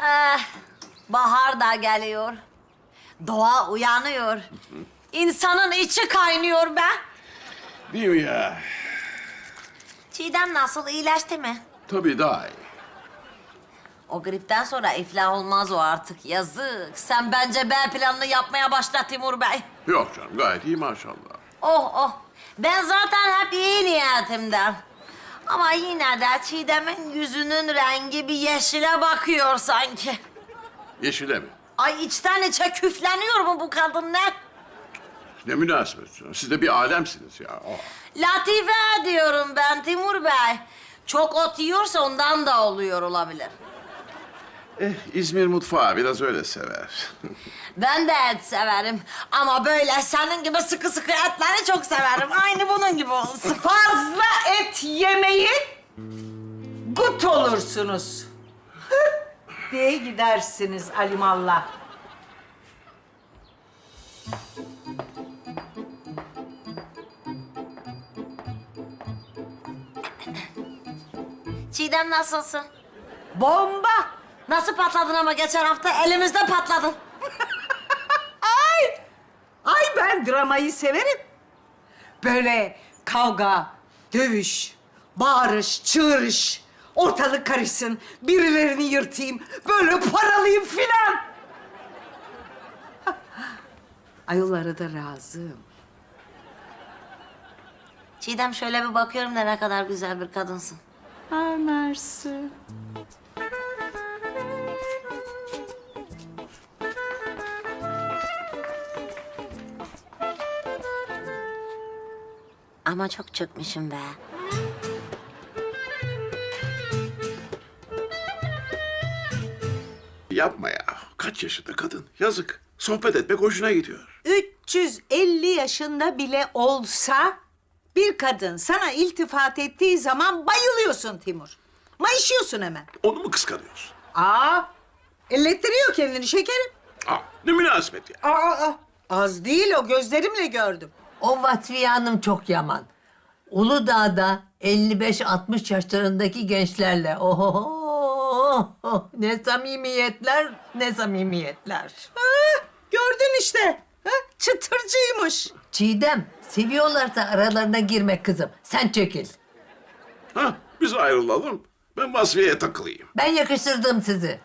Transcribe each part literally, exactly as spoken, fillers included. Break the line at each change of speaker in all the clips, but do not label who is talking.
Eh, bahar da geliyor. Doğa uyanıyor. İnsanın içi kaynıyor be.
Değil mi ya?
Çiğdem nasıl, iyileşti mi?
Tabii daha iyi.
O gripten sonra iflah olmaz o artık. Yazık. Sen bence B planını yapmaya başla Timur Bey.
Yok canım gayet iyi maşallah.
Oh oh. Ben zaten hep iyi niyetimden. Ama yine de Çiğdem'in yüzünün rengi bir yeşile bakıyor sanki.
Yeşile mi?
Ay içten içe küfleniyor mu bu kadın ne?
Ne münasebet. Siz de bir alemsiniz ya. Oh.
Latife diyorum ben Timur Bey. Çok ot yiyorsa ondan da oluyor olabilir.
Eh, İzmir mutfağı biraz öyle sever.
Ben de et severim. Ama böyle senin gibi sıkı sıkı etleri çok severim. Aynı bunun gibi olsun.
Fazla et yemeyin, gut olursunuz. diye gidersiniz alimallah.
Çiğdem nasılsın?
Bomba!
Nasıl patladın ama geçen hafta elimizde patladın.
Ay! Ay ben dramayı severim. Böyle kavga, dövüş, bağırış, çığırış, ortalık karışsın, birilerini yırtayım, böyle paralayayım filan. Ayollara da razıyım.
Çiğdem şöyle bir bakıyorum da ne kadar güzel bir kadınsın.
Ay mersi.
Ama çok çökmüşüm be.
Yapma ya. Kaç yaşında kadın? Yazık. Sohbet etmek hoşuna gidiyor.
üç yüz elli yaşında bile olsa bir kadın sana iltifat ettiği zaman bayılıyorsun Timur. Mayışıyorsun hemen.
Onu mu kıskanıyorsun?
Aa, ellettiriyor kendini şekerim.
Aa, ne münasebet ya.
Aa, aa, az değil o, gözlerimle gördüm.
O Vatfiye Hanım çok yaman. Uludağ'da elli beş altmış yaşlarındaki gençlerle oho ne samimiyetler ne samimiyetler.
Ha, gördün işte. Ha, çıtırcıymış.
Çiğdem seviyorlarsa aralarına girme kızım. Sen çekil.
Ha, biz ayrılalım. Ben Vasfiye'ye takılayım.
Ben yakıştırdım sizi.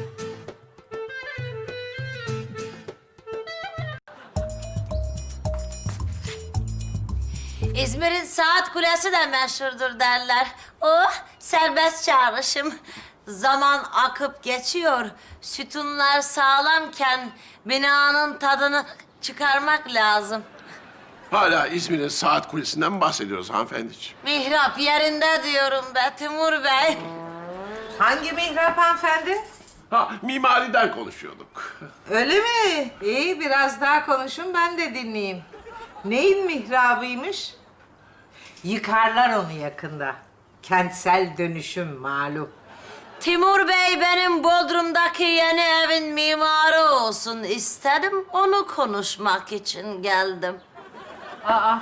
İzmir'in saat kulesi de meşhurdur derler. Oh, serbest çağrışım. Zaman akıp geçiyor. Sütunlar sağlamken binanın tadını çıkarmak lazım.
Hala İzmir'in saat kulesinden bahsediyoruz hanımefendiciğim.
Mihrap yerinde diyorum be Timur Bey.
Hangi mihrap hanımefendi?
Ha, mimariden konuşuyorduk.
Öyle mi? İyi, biraz daha konuşun, ben de dinleyeyim. Neyin mihrabıymış? Yıkarlar onu yakında. Kentsel dönüşüm malum.
Timur Bey benim Bodrum'daki yeni evin mimarı olsun istedim. Onu konuşmak için geldim.
Aa,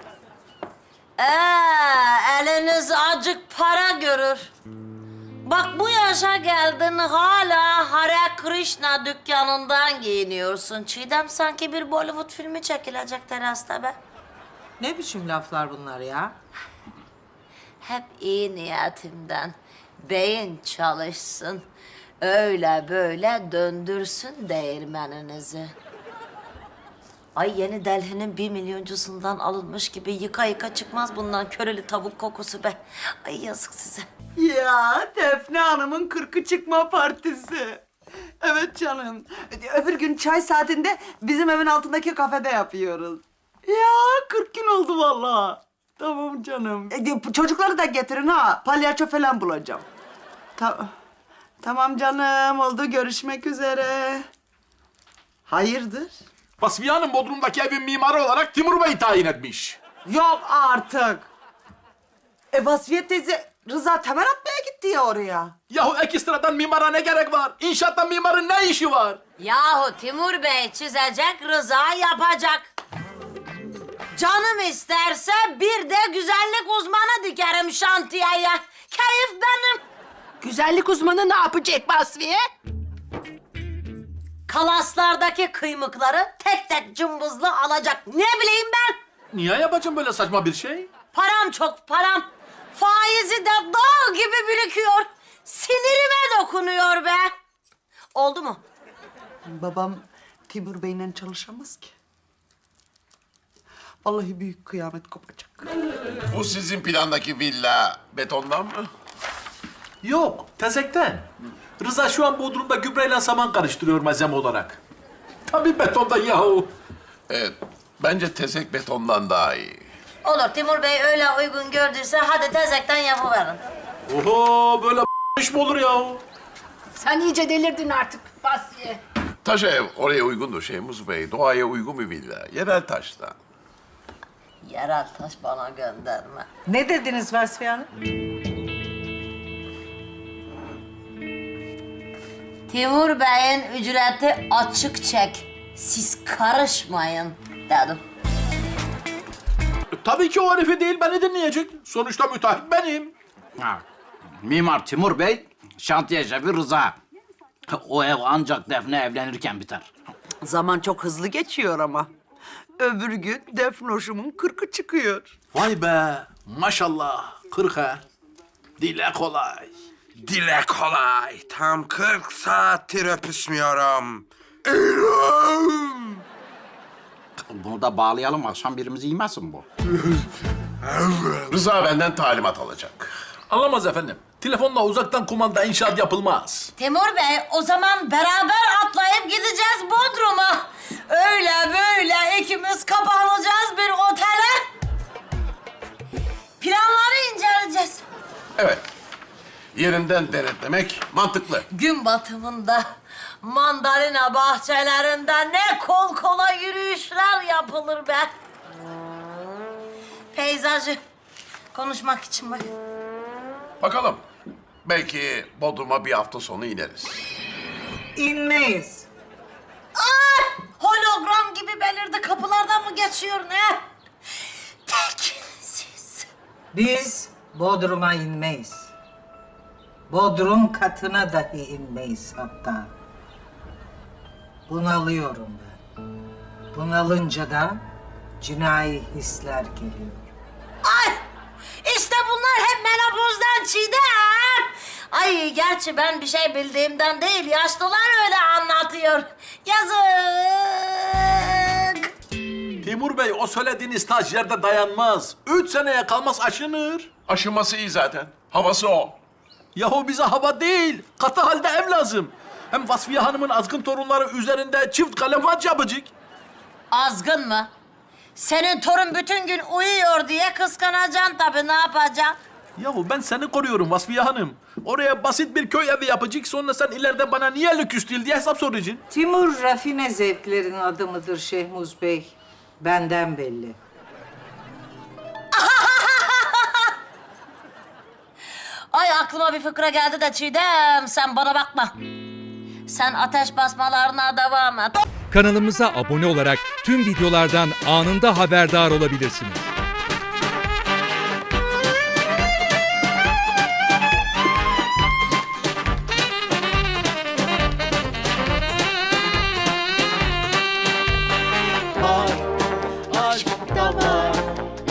Ee, eliniz acık para görür. Bak bu yaşa geldin hala Hare Krishna dükkanından giyiniyorsun. Çiğdem sanki bir Bollywood filmi çekilecek terasta be.
ne biçim laflar bunlar ya?
Hep iyi niyetimden. Beyin çalışsın. Öyle böyle döndürsün değirmeninizi. Ay yeni Delhi'nin bir milyoncusundan alınmış gibi yıka yıka çıkmaz bundan köreli tavuk kokusu be. Ay yazık size.
Ya Defne Hanım'ın kırkı çıkma partisi. Evet canım. Öbür gün çay saatinde bizim evin altındaki kafede yapıyoruz. Ya kırk gün oldu vallahi. Tamam canım. E, çocukları da getirin ha. Palyaço falan bulacağım. Ta tamam canım. Oldu. Görüşmek üzere. Hayırdır?
Vasfiye Hanım Bodrum'daki evin mimarı olarak Timur Bey'i tayin etmiş.
Yok artık. E Vasfiye teyze Rıza temel atmaya gitti ya oraya.
Yahu ekstradan mimara ne gerek var? İnşaatta mimarın ne işi var?
Yahu Timur Bey çizecek, Rıza yapacak. Canım isterse bir de güzellik uzmanı dikerim şantiyeye. Keyif benim.
Güzellik uzmanı ne yapacak Vasfiye?
kalaslardaki kıymıkları tek tek cımbızlı alacak. Ne bileyim ben?
Niye yapacağım böyle saçma bir şey?
Param çok param. Faizi de dağ gibi birikiyor. Sinirime dokunuyor be. Oldu mu?
Babam Timur Bey'le çalışamaz ki. Vallahi büyük kıyamet kopacak.
Bu sizin plandaki villa betondan mı?
Yok, tezekten. Rıza şu an Bodrum'da gübreyle saman karıştırıyor malzeme olarak. Tabii betondan yahu.
Evet, bence tezek betondan daha iyi.
Olur, Timur Bey öyle uygun gördüyse hadi tezekten yapıverin.
Oho, böyle iş mi olur yahu?
Sen iyice delirdin artık Basriye.
Taş ev oraya uygundur Şeyhmuz Bey. Doğaya uygun bir villa. Yerel taştan.
Yerel taş bana gönderme.
Ne dediniz Vasfiye Hanım?
Timur Bey'in ücreti açık çek. Siz karışmayın dedim.
Tabii ki o herifi değil, beni dinleyecek. Sonuçta müteahhit benim.
Ha, Mimar Timur Bey, şantiye şefi Rıza. O ev ancak Defne evlenirken biter.
Zaman çok hızlı geçiyor ama. Öbür gün Defnoş'umun kırkı çıkıyor.
Vay be, maşallah. Kırk ha. Dile kolay.
Dile kolay. Tam kırk saattir öpüşmüyorum.
Bunu da bağlayalım, akşam birimizi yemesin bu.
Rıza benden talimat alacak.
Anlamaz efendim. Telefonla uzaktan kumanda inşaat yapılmaz.
Timur Bey, o zaman beraber atlayıp gideceğiz Bodrum'a. Öyle böyle ikimiz kapanacağız bir otele. Planları inceleyeceğiz.
Evet. Yerinden denetlemek mantıklı.
Gün batımında mandalina bahçelerinde ne kol kola yürüyüşler yapılır be. Peyzajı konuşmak için bak.
Bakalım. Belki Bodrum'a bir hafta sonu ineriz.
İnmeyiz.
Aa, hologram gibi belirdi. Kapılardan mı geçiyor ne? Tekinsiz.
Biz Bodrum'a inmeyiz. Bodrum katına dahi inmeyiz hatta. Bunalıyorum ben. Bunalınca da cinayi hisler geliyor.
Ay! İşte bunlar hep menopozdan Çiğdem. Ay gerçi ben bir şey bildiğimden değil, yaşlılar öyle anlatıyor. Yazık.
Timur Bey, o söylediğiniz taş yerde dayanmaz. Üç seneye kalmaz aşınır.
Aşıması iyi zaten. Havası o.
Yahu bize hava değil, katı halde ev lazım. Hem Vasfiye Hanım'ın azgın torunları üzerinde çift kalem yapacak.
Azgın mı? Senin torun bütün gün uyuyor diye kıskanacaksın tabii, ne yapacaksın?
Yahu ben seni koruyorum Vasfiye Hanım. Oraya basit bir köy evi yapacak, sonra sen ileride bana niye lüküs değil diye hesap soracaksın.
Timur rafine zevklerin adımıdır Şehmuz Bey. Benden belli.
Ay aklıma bir fıkra geldi de Çiğdem, sen bana bakma. Sen ateş basmalarına devam et.
Kanalımıza abone olarak tüm videolardan anında haberdar olabilirsiniz.